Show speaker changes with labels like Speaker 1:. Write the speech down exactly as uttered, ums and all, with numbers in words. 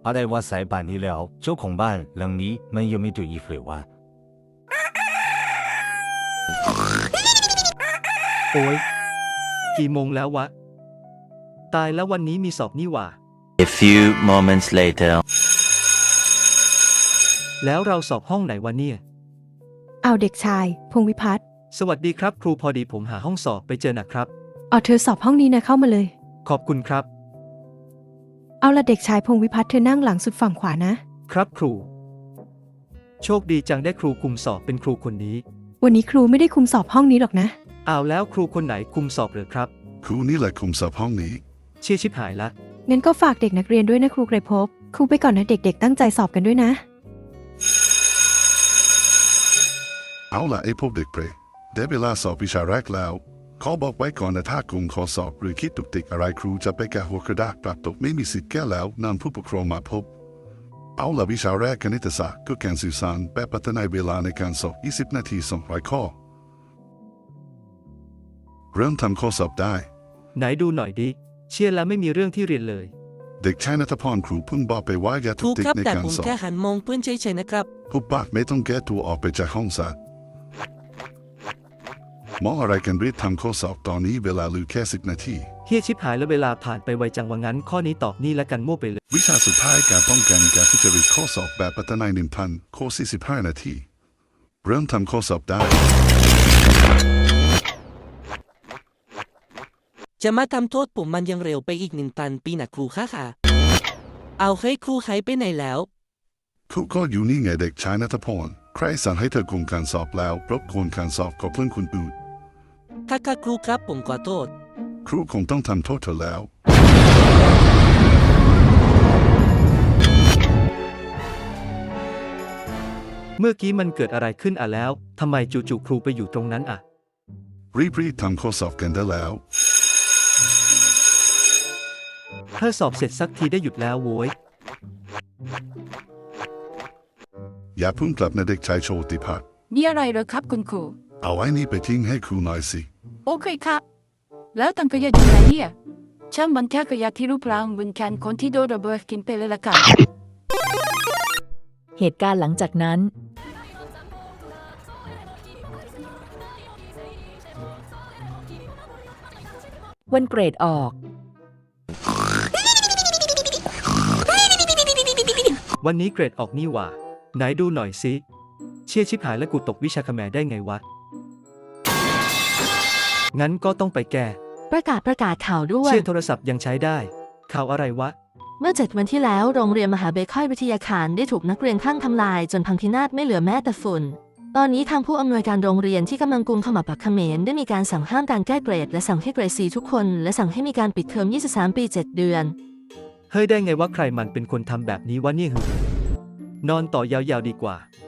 Speaker 1: 阿呆我塞办理了，就恐怕让你们有没对一回话。
Speaker 2: โอ้ยกี่โมงแล้ววะตายแล้ววันนี้มีสอบนี่หว่า
Speaker 3: A few moments later.
Speaker 2: แล้วเราสอบห้องไหนวะเนี่ย
Speaker 4: เอาเด็กชายพงษ์วิพัฒน์
Speaker 2: สวัสดีครับครูพอดีผมหาห้องสอบไปเจอนะครับ
Speaker 4: เอาเธอสอบห้องนี้นะเข้ามาเลย
Speaker 2: ขอบคุณครับ
Speaker 4: เอาละเด็กชายพงษ์วิพัฒน์เธอนั่งหลังสุดฝั่งขวานะ
Speaker 2: ครับครู โชคดีจังได้ครูคุมสอบเป็นครูคนนี้
Speaker 4: วันนี้ครูไม่ได้คุมสอบห้องนี้หรอกนะ
Speaker 2: เอาแล้วครูคนไหนคุมสอบเหรือครับ
Speaker 5: ครูนี่แหละคุมสอบห้องนี้
Speaker 2: เชี่ยชิบหายละ
Speaker 4: งั้นก็ฝากเด็กนักเรียนด้วยนะครูไกรภพครูไปก่อนนะเด็กๆตั้งใจสอบกันด้วยนะ
Speaker 5: เอาล่ะไอ้พวกเด็กเปรย์ได้เวลาสอบวิชาแรกแล้วขอบอกไว้ก่อนนะถ้าคุณขอสอบหรือคิดตุกติกอะไรครูจะไปแก้หัวกระดาษปรับตกไม่มีสิทธิ์แก้แล้วนำผู้ปกครองมาพบ เอาล่ะวิชาแรกคณิตศาสตร์คือการสื่อสารแบบพัฒนาเวลาในการสอบยี่สิบนาทีสองร้อยข้อเริ่มทำข้อสอบได้
Speaker 2: ไหนดูหน่อยดิ เชี่ยแล้วไม่มีเรื่องที่เรียนเลย
Speaker 5: เด็กชายณัฐพรครูเพิ่งบอกไปว่าอย่า
Speaker 6: ค
Speaker 5: ตุ
Speaker 6: รู
Speaker 5: กติก
Speaker 6: ครับ
Speaker 5: ใน
Speaker 6: แต่
Speaker 5: การ
Speaker 6: ผม
Speaker 5: สอบ
Speaker 6: แค่หันมองเพื่อนเฉยๆนะครับ
Speaker 5: ผู้ปากไม่ต้องแก้ตัวออกไปจากห้องสอบมองอะไรกันรีบทำข้อสอบตอนนี้เวลาเหลือแค่สิบนาที
Speaker 2: เฮียชิบหายแล้วเวลาผ่านไปไวจังว่างั้นข้อนี้ตอบนี่และกันมั่วไปเลย
Speaker 5: วิชาสุดท้ายการป้องกันการทุจริตข้อสอบแบบพัฒนาหนึ่งพันข้อสี่สิบห้านาทีเริ่มทำข้อสอบได้
Speaker 6: จะมาทำโทษผมมันยังเร็วไปอีกหนึ่งตันปีนะครูค่ะค่ะ เอาให้ครูหายไปไหนแล้ว
Speaker 5: ครูก็อยู่นี่ไงเด็กชายณัฐพรใครสั่งให้เธอคุมการสอบแล้วรบกวนการสอบกับเพื่อนคนอื่น
Speaker 6: ค่ะค่ะครูครับผมขอโทษ
Speaker 5: ครูคงต้องทำโทษเธอแล้ว
Speaker 2: เมื่อกี้มันเกิดอะไรขึ้นอ่ะแล้วทำไมจู่ๆครูไปอยู่ตรงนั้นอ่ะ
Speaker 5: รีบๆทำข้อสอบกันได้แล้ว
Speaker 2: เธอสอบเสร็จสักทีได้หยุดแล้วโว้ย
Speaker 5: อย่าเพิ่งกลับนะเด็กชายโชติพัฒน์
Speaker 7: มีอะไรเหรอครับคุณครู
Speaker 5: เอาไอ้นี่ไปทิ้งให้ครูหน่อยสิ
Speaker 7: โอเคครับ แล้วตังขยะอยู่ไหนเนี่ยช่างมันแค่ขยะที่รูปร่างเหมือนกันคนที่โดนระเบิดกินไปเลยละกัน
Speaker 8: เหตุการณ์หลังจากนั้น วันเกรดออก
Speaker 2: วันนี้เกรดออกนี่หว่า ไหนดูหน่อยสิ เชี่ยชิบหายแล้วกูตกวิชาคแมได้ไงวะ งั้นก็ต้องไปแก้
Speaker 9: ประกาศประกาศข่าวด่วน
Speaker 2: เชี่ยโทรศัพท์ยังใช้ได้ ข่าวอะไรวะ
Speaker 9: เมื่อเจ็ดวันที่แล้วโรงเรียนมหาเบคอยวิทยาคารได้ถูกนักเรียนคลั่งทำลายจนพังพินาศไม่เหลือแม้แต่ฝุ่น ตอนนี้ทางผู้อำนวยการโรงเรียนที่กำลังกุมขมับปักเขมรได้มีการสั่งห้ามการแก้เกรดและสั่งให้เกรด ซี ทุกคนและสั่งให้มีการปิดเทอมยี่สิบสามปีเจ็ดเดือน
Speaker 2: เฮ้ยได้ไงว่าใครมันเป็นคนทำแบบนี้วะเนี่ยหึนอนต่อยาวๆดีกว่า